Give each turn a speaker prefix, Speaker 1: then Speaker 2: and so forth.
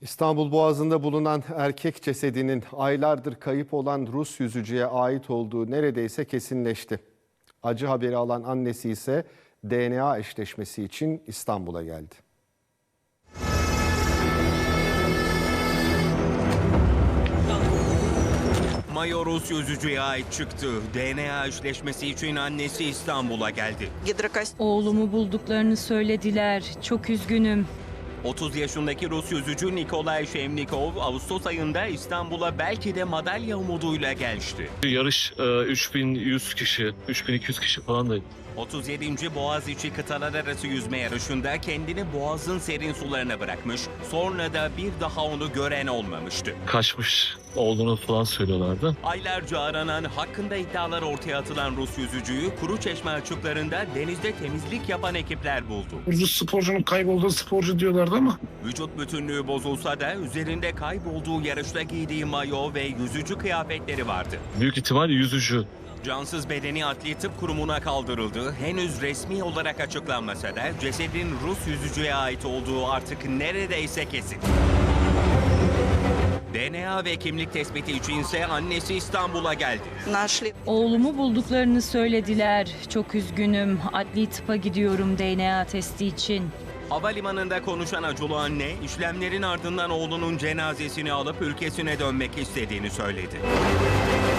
Speaker 1: İstanbul Boğazı'nda bulunan erkek cesedinin aylardır kayıp olan Rus yüzücüye ait olduğu neredeyse kesinleşti. Acı haberi alan annesi ise DNA eşleşmesi için İstanbul'a geldi.
Speaker 2: Mayo Rus yüzücüye ait çıktı. DNA eşleşmesi için annesi İstanbul'a geldi.
Speaker 3: Oğlumu bulduklarını söylediler. Çok üzgünüm.
Speaker 2: 30 yaşındaki Rus yüzücü Nikolay Shevnikov, Ağustos ayında İstanbul'a belki de madalya umuduyla gelmişti.
Speaker 4: Yarış 3100 kişi, 3200 kişi falan da.
Speaker 2: 37. Boğaziçi kıtalar arası yüzme yarışında kendini Boğaz'ın serin sularına bırakmış, sonra da bir daha onu gören olmamıştı.
Speaker 4: Kaçmış olduğunu falan söylüyorlardı.
Speaker 2: Aylarca aranan, hakkında iddialar ortaya atılan Rus yüzücüyü Kuruçeşme açıklarında denizde temizlik yapan ekipler buldu.
Speaker 5: Rus sporcunun kaybolduğu sporcu diyorlardı ama
Speaker 2: Vücut bütünlüğü bozulsa da üzerinde kaybolduğu yarışta giydiği mayo ve yüzücü kıyafetleri vardı.
Speaker 4: Büyük ihtimal yüzücü.
Speaker 2: Cansız bedeni Adli Tıp Kurumu'na kaldırıldı. Henüz resmi olarak açıklanmasa da cesedin Rus yüzücüye ait olduğu artık neredeyse kesin. DNA ve kimlik tespiti içinse annesi İstanbul'a geldi.
Speaker 3: Oğlumu bulduklarını söylediler. Çok üzgünüm. Adli tıpa gidiyorum DNA testi için.
Speaker 2: Havalimanında konuşan acılı anne, işlemlerin ardından oğlunun cenazesini alıp ülkesine dönmek istediğini söyledi.